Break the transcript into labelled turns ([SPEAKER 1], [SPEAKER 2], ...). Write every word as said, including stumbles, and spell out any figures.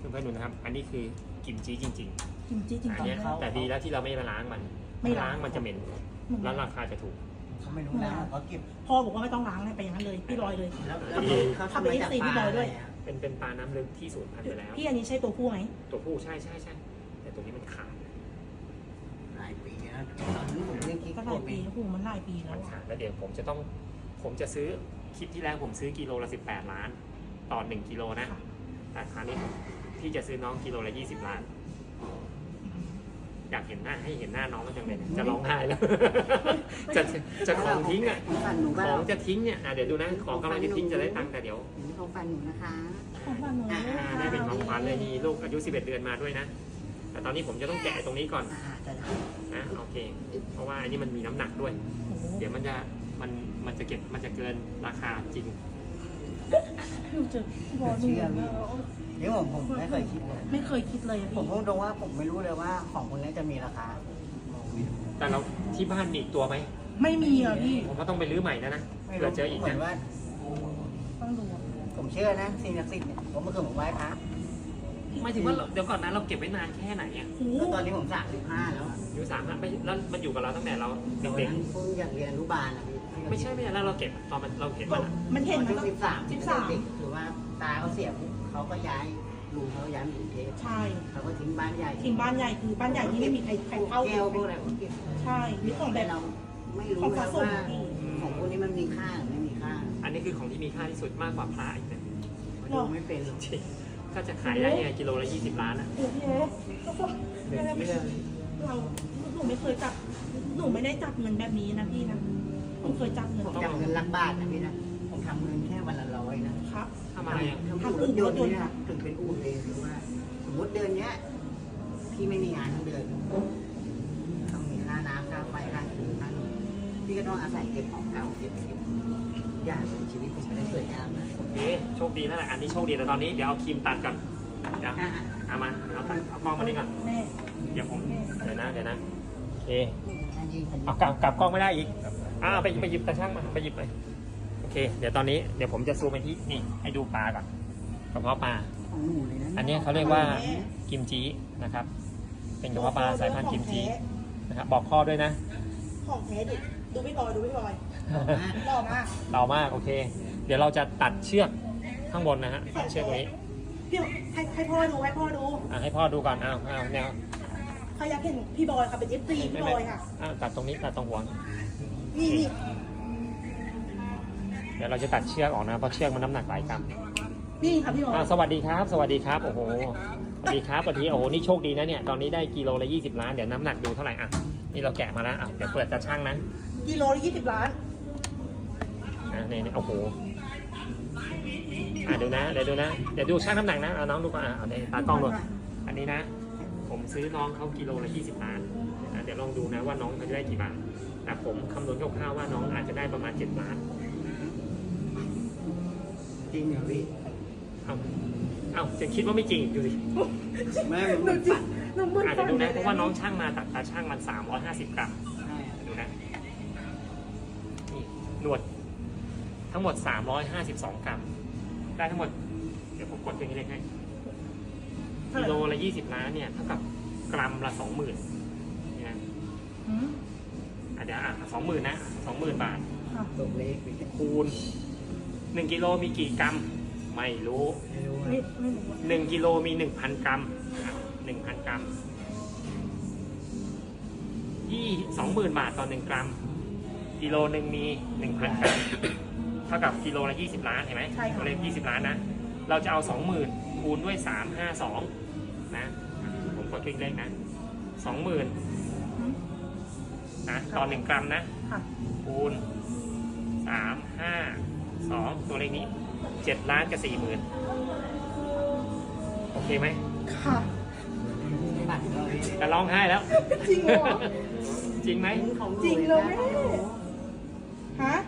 [SPEAKER 1] เพื่อนๆดูนะครับอันนี้คือกิมจิจริงๆ
[SPEAKER 2] กิมจิจริง
[SPEAKER 1] อัน
[SPEAKER 2] ๆ
[SPEAKER 1] นี้
[SPEAKER 2] นะ
[SPEAKER 1] แต่ดีแล้วที่เราไม่มาล้างมัน
[SPEAKER 2] ไม่
[SPEAKER 1] ล้า
[SPEAKER 2] ล้าง ง
[SPEAKER 1] มันจะเหม็นแล้วราคาจะถูก
[SPEAKER 3] เขาไม่รู้นะเขาเก็บ
[SPEAKER 2] พ่อบอกว่าไม่ต้องล้างเลยไปอย่างนั้นเลยพี่บอยเลย
[SPEAKER 3] แล้วแล้วเขา
[SPEAKER 2] ทำเป็น FC พี่บอยด้วย
[SPEAKER 1] เป็นเป็นปลาน้ำลึกที่สูญพันธุ์ไปแล้ว
[SPEAKER 2] พี่อันนี้ใช่ตัวผู้ไหม
[SPEAKER 1] ตัวผู้ใช่ใช่ใช่แต่ตัวนี้มันขาด
[SPEAKER 3] หลายปีนะตอนนั้นผมเล่นคิด
[SPEAKER 2] ก็ห
[SPEAKER 3] โก
[SPEAKER 2] ลาย
[SPEAKER 3] เม
[SPEAKER 2] ปีโอ้โหมันหลายปีแล้
[SPEAKER 1] มั
[SPEAKER 2] วน
[SPEAKER 1] ขาดแล้วเดี๋ยวผมจะต้องผมจะซื้อคลิปที่แล้วผมซื้อกิโลละสิบแปดล้านต่อหนึ่งกิโลนะแต่คราวนี้พี่จะซื้อน้องกิโลละยี่สิบล้านอยากเห็นหน้าให้เห็นหน้าน้องก็จังเลยจะร้องไห้แล้ว จะจะของทิ้งอ่ะ
[SPEAKER 3] ฟันหนู
[SPEAKER 1] ข
[SPEAKER 3] บ้า
[SPEAKER 1] องจะทิ้งเนี่ยอ่ะเดี๋ยวดูนะของกำลังจะทิ้งจะได้ตังค์แต่เดี๋ยว
[SPEAKER 3] ของฟันหนูนะคะ
[SPEAKER 2] ของบ้านหนู
[SPEAKER 1] อ่าได้เป็นของขวัญเลยนี่ลูกอายุสิบเอ็ดเดือนมาด้วยนะแต่ตอนนี้ผมจะต้องแกะตรงนี้ก่อน
[SPEAKER 3] อ่าจะได้
[SPEAKER 1] นะโอเคเพราะว่าอันนี้มันมีน้ำหนักด้วย
[SPEAKER 2] โอ้โห
[SPEAKER 1] เดี๋ยวมันจะมันมันจะเก็บมันจะเกินราคาจริง
[SPEAKER 2] หนูเจอพี่บอยหนู
[SPEAKER 3] เดี๋ยวผมผมไม่เคยคิดเลย
[SPEAKER 2] ไม่เคยคิดเลยอะ
[SPEAKER 3] ผม
[SPEAKER 2] พี่
[SPEAKER 3] พูดตรงว่าผมไม่รู้เลยว่าของคนนี้จะมีราคา
[SPEAKER 1] แต่เราที่บ้านมีอีกตัวไหม
[SPEAKER 2] ไม่มีอ่ะพี่
[SPEAKER 1] ผมก็ต้องไปรื้อใหม่นะนะ
[SPEAKER 3] ไม่
[SPEAKER 1] เผื่
[SPEAKER 3] รู้
[SPEAKER 1] อเจออีก
[SPEAKER 3] เหมือ
[SPEAKER 1] นะ
[SPEAKER 3] นว่า
[SPEAKER 2] ต้องดูอะ
[SPEAKER 3] ผมเชื่อนะสิ่งศักดิ์สิทธิ์เนี่ยผมเมื่อคืนผมไหว้พระ
[SPEAKER 1] หมายถึงว่าเราเดี๋ยวก่อนนะเราเก็บไว้นานแค่ไหนอ่ะ
[SPEAKER 2] โอ้โห
[SPEAKER 3] แล้วตอนนี้ผมสามสิบห้าแล้วอะ
[SPEAKER 1] อยู่สามอ่ะไม่แล้วมันอยู่กับเราตั้งแต่เรา
[SPEAKER 3] ตอน
[SPEAKER 1] เด็ก
[SPEAKER 3] นั้นเพิ่งอยากเรียนอนุบาลนะพี่
[SPEAKER 1] ๆไม่ใช่ไม่ใช่แล้วเราเก็บตอนมันเราเห็นมันอะ
[SPEAKER 2] มันเห็น
[SPEAKER 3] ต
[SPEAKER 2] มั
[SPEAKER 3] อน น
[SPEAKER 2] ก็
[SPEAKER 3] สิบสาม
[SPEAKER 2] สิบสาม
[SPEAKER 3] เด็กหรือว่าตาเขาเสียปุ๊บเขาก็ย้ายลุงเขาย้ายมาอยู่กรุงเทพ
[SPEAKER 2] ใช่
[SPEAKER 3] เขาก็ทิ้งบ้านใหญ่
[SPEAKER 2] ทีมบ้านใหญ่คือบ้านใหญ่ที่ไม่มีใครใครเข้า
[SPEAKER 3] แก้วพวกอะไรผมเก็บ
[SPEAKER 2] ใช่มีของแบ
[SPEAKER 3] แต่
[SPEAKER 2] บ
[SPEAKER 3] เราไม่รู้
[SPEAKER 2] ของ
[SPEAKER 3] นะ
[SPEAKER 2] สะสม
[SPEAKER 3] ว่า
[SPEAKER 2] พี่
[SPEAKER 3] ของพวกนี้มันมีค่าหรือไม่มีค่า
[SPEAKER 1] อันนี้คือของที่มีค่าที่สุดมากกว่าพระอีกนะ
[SPEAKER 3] ดูไม่เป็นหรอก
[SPEAKER 1] จริงก็จะขายได้ยังไงกิโลละยี่สิบล้านอ่ะ
[SPEAKER 2] โอ้โหไม่ได้ไม่ได้เราหนูไม่เคยจับหนูไม่ได้จับเงินแบบนี้นะพี่นะผมเคยจับเงิน
[SPEAKER 3] ผมจำเงินหลักบาทนะพี่นะผมทำเงินแค่วันละร้อยนะครับ
[SPEAKER 1] ทำอะไรอ่ะ
[SPEAKER 3] ทำอู่รถยนต์เนี่ยถึงเป็นอู่เลยหรือว่า สมมติเดือนเนี้ยพี่ไม่มีงานทั้งเดือนต้องมีค่าน้ำค่าไฟค่าถือค่าพี่ก็ต้องอาศัยเก็บของเก่าเก็บเก็บอย่างชีวิตผมไม่ได้สวยงามนะ
[SPEAKER 1] โอเคโชคดีนั่นแหละอันนี้โชคดีแต่ตอนนี้เดี๋ยวเอาครีมตัดก่อนเดี๋ยวเอามาเอาตัดเอากล้องมานี่ก่อน
[SPEAKER 2] แม่
[SPEAKER 1] เดี๋ยวผมเดี๋ยวนะเดี๋ยวนะโอเค
[SPEAKER 3] อันนี้อันนี้
[SPEAKER 1] เอากลับกลับกล้องไม่ได้อีกอ่าไปไปหยิบตาช่างมาไปหยิบเลยโอเค เดี๋ยวตอนนี้เดี๋ยวผมจะซูมไปที่นี่ให้ดูปลาก่อนกระเพาะปลา
[SPEAKER 3] ของหนูเลยนะ
[SPEAKER 1] อันนี้เขาเรียกว่ากิมจินะครับ เป็นกระเพาะปลาสายพันธุ์กิมจินะครับบอกข้อด้วยนะ
[SPEAKER 2] ของแท้ดิดูพี่บอยดูพี่บอยหล่อมาก
[SPEAKER 1] เบามากโอเค เดี๋ยวเราจะตัดเชือกข้างบนนะฮะตัดเชือกตรงนี้
[SPEAKER 2] พี่ให้ให้พ่อดูให้พ่อดู
[SPEAKER 1] อ่ะให้พ่อดูก่อนอ้าวอ้าวแนว
[SPEAKER 2] ใครอยากเห็นพี่บอยค่ะเป็นเอฟซีพี่บอยค่ะ
[SPEAKER 1] อ้าวตัดตรงนี้ตัดตรงหัว
[SPEAKER 2] นี่นี่
[SPEAKER 1] เดี๋ยวเราจะตัดเชือกออกนะเพราะเชือกมันน้ำหนักหลายกรัม
[SPEAKER 2] นี่ค่ะพี่บอย
[SPEAKER 1] อ่าสวัสดีครับ สวัสดีครับโอ้โหสวัสดีครับสวัสดีโอ้โหนี่โชคดีนะเนี่ยตอนนี้ได้กิโลละยี่สิบล้านเดี๋ยวน้ำหนักดูเท่าไหร่อ่ะนี่เราแกะมาแล้วอ่ะเดี๋ยวเปิดตาช่างนะ
[SPEAKER 2] กิโลละยี่สิบล้าน
[SPEAKER 1] อ่ะนี่นี่โอ้โหอ่ะดูนะเดี๋ยวดูนะเดี๋ยวดูช่างน้ำหนักนะเอาน้องดูก่อนอ่ะเอาในตากล้องดูอันนี้นะ ผมซื้อน้องเขากิโลละยี่สิบล้านนะเดี๋ยวลองดูนะว่าน้องเขาจะได้กี่บาทแต่ผมคำนวณคร่าวๆว่าน้องอาจจะได้ประมาณเจ็ดล้าน
[SPEAKER 3] จริงเหรอพี่
[SPEAKER 1] เอาเอาจะคิดว่าไม่จริงดูสิ
[SPEAKER 3] ไม่
[SPEAKER 2] หนูจริงหนูมึน
[SPEAKER 1] อาจจะดูนะเพราะว่าน้องช่างมาตัดตาช่างมันสามร้อยห้าสิบกรัม
[SPEAKER 3] ใช่
[SPEAKER 1] ดูนะนี่หนวดทั้งหมดสามร้อยห้าสิบสองกรัมได้ทั้งหมดเดี๋ยวผมกดตัวนี้เลยให้กิโลละยี่สิบล้านเนี่ยเท่ากับกรัมละสองหมื่นนี่นะ
[SPEAKER 2] อืม
[SPEAKER 1] อ่ะเดี๋ยวอ่ะสองหมื่นนะสองหมื่นบาท
[SPEAKER 2] ค่ะ
[SPEAKER 3] ตกเลขไป
[SPEAKER 1] คูณหนึ่งกิโลมีกี่กรัมไม่รู้
[SPEAKER 3] ไม่รู้
[SPEAKER 2] ไม่ไม่รู้อะ
[SPEAKER 1] หนึ่งกิโลมีหนึ่งพันกรัมหนึ่งพันกรัมยี่สองหมื่นบาทต่อหนึ่งกรัมกิโลหนึ่งมีหนึ่งพันกรัมเท่ากับกิโลละยี่สิบล้านเห็นไหมตัวเลขยี่สิบล้านนะเราจะเอาสองหมื่นคูณด้วยสามห้าสองนะผมกดคลิกเลขนะสองหมื่น
[SPEAKER 2] อืม
[SPEAKER 1] นะต่อหนึ่งกรัมนะ
[SPEAKER 2] ค่ะ
[SPEAKER 1] คูณสามห้าสองตัวเลขนี้เจ็ดล้านกับสี่หมื่นโอเคไหม
[SPEAKER 2] ค่ะ
[SPEAKER 3] บัตรเราพี่
[SPEAKER 1] จะร้องไห้แล้ว
[SPEAKER 2] จริงเหรอ
[SPEAKER 1] จริงไหม
[SPEAKER 3] ของหนู
[SPEAKER 2] จริงเลยแม่ ฮะ